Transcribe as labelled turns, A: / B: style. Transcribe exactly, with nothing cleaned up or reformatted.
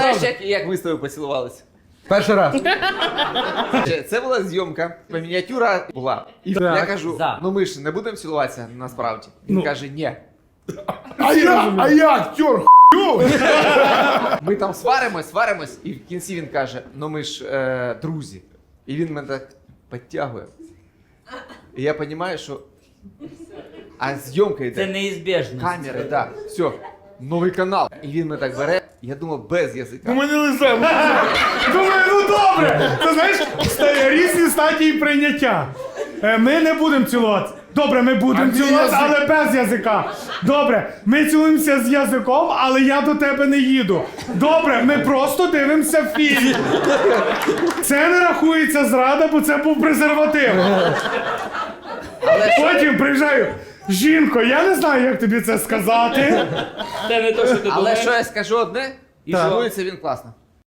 A: Знаєш, як, як ви з тобою поцілувалися?
B: Перший раз.
A: Це була зйомка, мініатюра була. І
B: Так.
A: я кажу,
C: За.
A: ну ми ж не будемо цілуватися насправді. Він
B: Ну.
A: каже, ні.
B: А я, а я актер, хуйовий.
A: Ми там сваримось, сваримось, і в кінці він каже, ну ми ж е, друзі. І він мене так підтягує. І я розумію, що... А зйомка йде.
C: Це неізбіжно.
A: Камери, так. Да. Все, новий канал. І він мене так бере, я думав, без
B: У
A: язика.
B: мене лице. Думаю, ну добре. Ти знаєш, ста- різні стадії прийняття. Е, Ми не будемо цілуватися. Добре, ми будемо цілуватися, але без язика. Добре, ми цілуємося з язиком, але я до тебе не їду. Добре, ми просто дивимося фільм. Це не рахується зрада, бо це був презерватив.
A: Але що,
B: Потім приїжджаю. Жінко, я не знаю, як тобі це сказати.
C: Це не то, що ти
A: але
C: думаєш.
A: що я скажу одне, і
B: Так.
A: цілується він класно.